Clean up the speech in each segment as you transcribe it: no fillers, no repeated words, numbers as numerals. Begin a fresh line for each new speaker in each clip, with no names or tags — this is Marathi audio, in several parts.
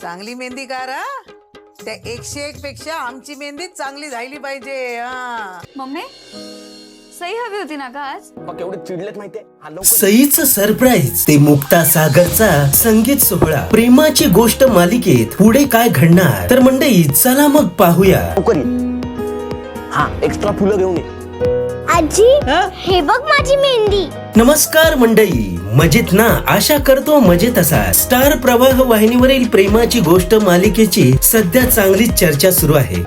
चांगली मेहंदी करा, त्या 101 पेक्षा आमची मेहंदी चांगली झाली पाहिजे.
मम्मी सही हवी होती ना का आज?
केवढे चिडलेत माहितीये.
सईचं सरप्राईज ते मुक्ता सागरचा संगीत सोहळा प्रेमाची गोष्ट मालिकेत पुढे काय घडणार तर मंडळी चला मग पाहूया.
हा एक्स्ट्रा फुलं घेऊन ये.
आजी हे बघ माझी मेहंदी.
नमस्कार मंडळी, मजेत ना? आशा करतो मजेत असा. स्टार प्रवाह वाहिनीवरील प्रेमाची गोष्ट मालिकेची सध्या चांगली चर्चा सुरू आहे.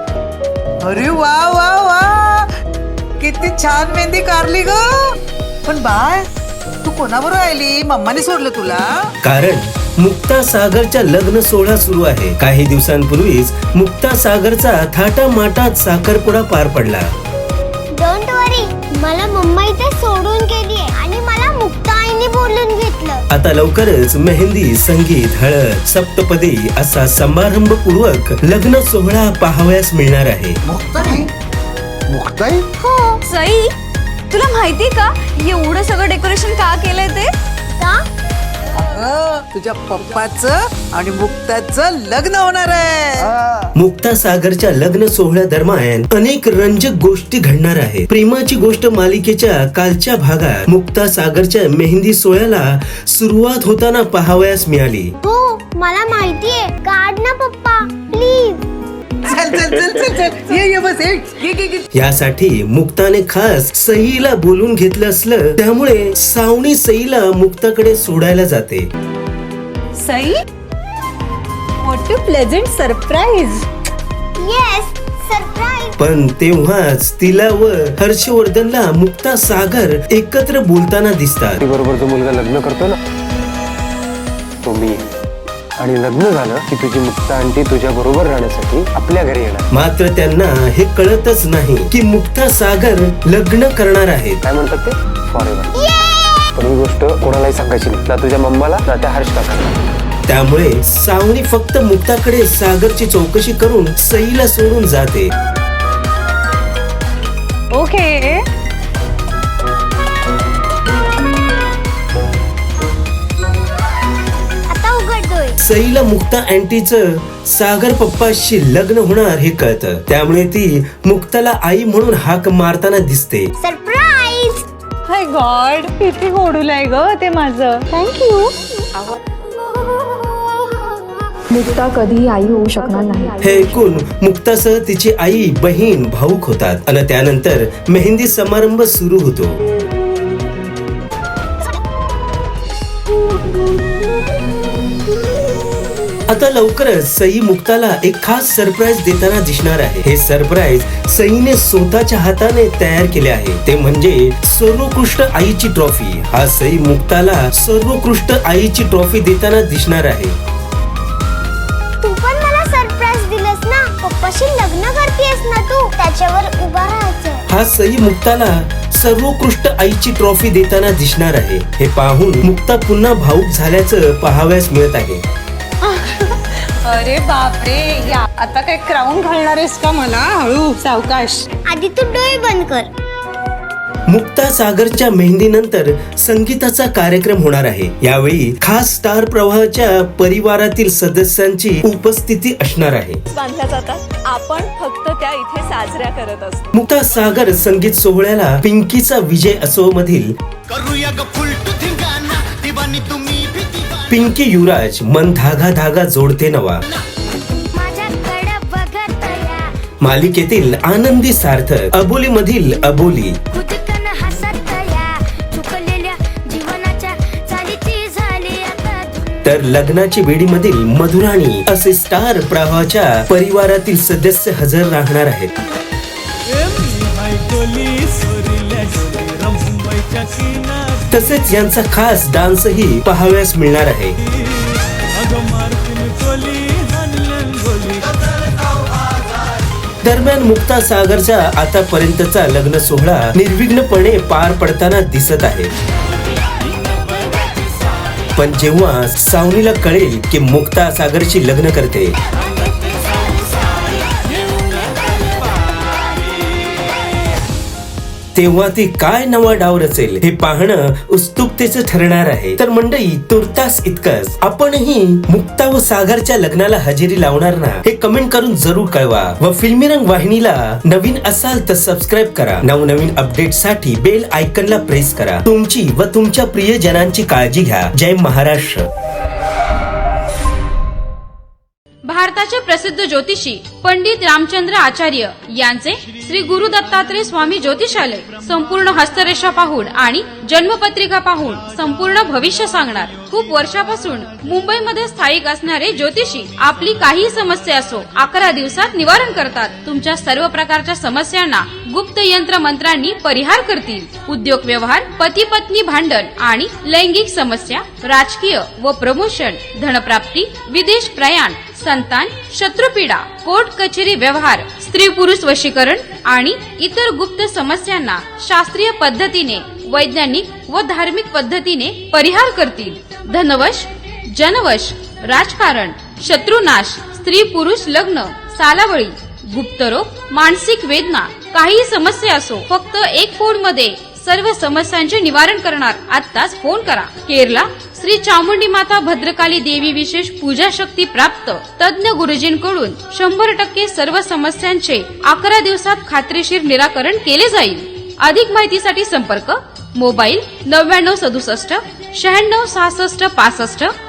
अरे वा वा वा, किती छान मेहंदी काढली ग. पण बाय, तू कोणाबरोबर आली? मम्माने सोडलं तुला?
कारण मुक्ता सागरच्या लग्न सोहळा सुरू आहे. काही दिवसांपूर्वीच मुक्ता सागरचा थाटामाटात साखरपुडा पार पडला.
डोंट वरी, मला मम्मा इथे सोडून गेली आणि मला मुक्ता आईने बोलून घेतलं.
आता लवकरच मेहंदी, संगीत, हळद, सप्तपदी असा समारंभपूर्वक लग्न सोहळा पाहावयास मिळणार आहे.
मुक्ताई
हो
सई, तुला माहितीये का एवढं सगळं डेकोरेशन का केलंय ते?
का?
तुझ्या पप्पाचं आणि मुक्ताचं लग्न होणार आहे.
मुक्ता सागरच्या लग्न सोहळ्या दरम्यान अनेक रंजक गोष्टी घडणार आहेत. प्रेमाची गोष्ट मालिकेच्या कालच्या भागात मुक्ता सागरच्या मेहंदी सोहळ्याला सुरुवात होताना पाहावयास मिळाली.
हो मला माहितीये. काढ ना पप्पा प्लीज.
चल चल चल चल चल, ये बस, ये.
यासाठी मुक्ताने खास सईला बोलून घेतलं असलं, त्यामुळे सावनी सईला मुक्ताकडे सोडायला जाते.
Sai, what a pleasant surprise.
Yes, surprise.
पण तेव्हाच तिला व हर्षवर्धनला मुक्ता सागर एकत्र बोलताना दिसतात.
बरोबर जो मुलगा लग्न करतो ना, तो मी. आणि लग्न झालं की तुझी मुक्ता आंटी तुझ्या बरोबर राहण्यासाठी आपल्या घरी येणार.
मात्र त्यांना हे कळतच नाही की मुक्ता सागर लग्न करणार आहेत.
काय म्हणतात ते? फॉरएव्हर. पण ही गोष्ट कोणालाही सांगायची नाही, ना तुझ्या मम्माला ना त्या हर्ष काकाला.
त्यामुळे सावनी फक्त मुक्ताकडे सागरची चौकशी करून सईला सोडून जाते.
ओके.
आता उघडतोय.
सईला मुक्ता अँटीचं सागर पप्पाशी लग्न होणार हे कळतं. त्यामुळे ती मुक्ताला आई म्हणून हाक मारताना दिसते.
सरप्राईज.
हाय गॉड, किती गोडूलाय ग ते माझं.
थँक्यू.
मुक्ता कधी आई होऊ शकणार नाही.
हे ऐकून मुक्तासह तिची आई, बहीण भाऊक होतात आणि त्यानंतर मेहंदी समारंभ सुरू होतो. आता लवकरच सई मुक्ताला एक खास सरप्राईज देताना दिसणार आहे. हे सरप्राईज सईने स्वतःच्या हाताने तयार केले आहे. ते म्हणजे सर्वोत्कृष्ट आईची ट्रॉफी. हा सई मुक्ताला सर्वोत्कृष्ट आईची ट्रॉफी देताना दिसणार आहे.
तू पण मला सरप्राईज दिलंस ना. पप्पाशी लग्न करतेस ना तू, त्याच्यावर उभा राहायचं.
हा सई मुक्ताला सर्वोत्कृष्ट आईची ट्रॉफी देताना दिसणार आहे. हे पाहून मुक्ता पुन्हा भावुक झाल्याचं पाहावयास मिळत आहे.
अरे बापरे, या आता काय क्राऊन घालणार आहेस का मला? हळू, सावकाश.
आधी तू डोळे बंद कर.
मुक्ता सागरच्या मेहंदीनंतर संगीताचा कार्यक्रम होणार आहे. यावेळी खास स्टार प्रवाहाच्या परिवारातील सदस्यांची उपस्थिती असणार आहे.
बांधल्या जातात, आपण फक्त त्या इथे साजऱ्या करत असतो.
मुक्ता सागर संगीत सोहळ्याला पिंकीचा विजय असो मधील पिंकी युवराज मन धागा धागा जोडते नवा, मालिकेतील आनंदी सार्थक, अबोली मधील अबोली, तर लग्नाची बेडी मधील मधुराणी असे स्टार प्रवाहाच्या परिवारातील सदस्य हजर राहणार आहेत. तसेच यांचा खास डान्सही पाहावयास मिळणार आहे. दरम्यान मुक्ता सागरचा आतापर्यंतचा लग्न सोहळा निर्विघ्नपणे पार पडताना दिसत आहे. पण जेव्हा सावनीला कळेल की मुक्ता सागरशी लग्न करते, तेव्हा ती काय नवा डाव रचेल हे पाहणं उत्सुकतेचं ठरणार आहे. तर मंडळी, तुर्तास इतकंच. आपणही मुक्ता व सागरच्या लग्नाला हजेरी लावणार ना, हे कमेंट करून जरूर कळवा. व फिल्मी रंग वाहिनीला नवीन असाल तर सबस्क्राईब करा. नवनवीन अपडेट साठी बेल आयकनला प्रेस करा. तुमची व तुमच्या प्रियजनांची काळजी घ्या. जय महाराष्ट्र.
भारताचे प्रसिद्ध ज्योतिषी पंडित रामचंद्र आचार्य यांचे श्री गुरु दत्तात्रय स्वामी ज्योतिषालय संपूर्ण हस्तरेषा पाहून आणि जन्मपत्रिका पाहून संपूर्ण भविष्य सांगणार. खूप वर्षापासून मुंबईमध्ये स्थायिक असणारे ज्योतिषी आपली काही समस्या असो 11 दिवसात निवारण करतात. तुमच्या सर्व प्रकारच्या समस्यांना गुप्त यंत्र मंत्रांनी परिहार करतील. उद्योग व्यवहार, पती पत्नी भांडण आणि लैंगिक समस्या, राजकीय व प्रमोशन, धनप्राप्ती, विदेश प्रयाण, संतान, शत्रुपीडा, कोर्ट कचेरी व्यवहार, स्त्री पुरुष वशीकरण आणि इतर गुप्त समस्यांना शास्त्रीय पद्धतीने, वैज्ञानिक व धार्मिक पद्धतीने परिहार करतील. धनवश, जनवश, राजकारण, शत्रुनाश, स्त्री पुरुष लग्न, सालावळी, गुप्तरोग, मानसिक वेदना, काही समस्या असो, फक्त एक फोन मध्ये सर्व समस्यांचे निवारण करणार. आत्ताच फोन करा. केरला श्री चामुंडी माता भद्रकाली देवी विशेष पूजा शक्ती प्राप्त तज्ञ गुरुजींकडून 100% सर्व समस्यांचे 11 दिवसात खात्रीशीर निराकरण केले जाईल. अधिक माहितीसाठी संपर्क मोबाईल 9967 96 66 65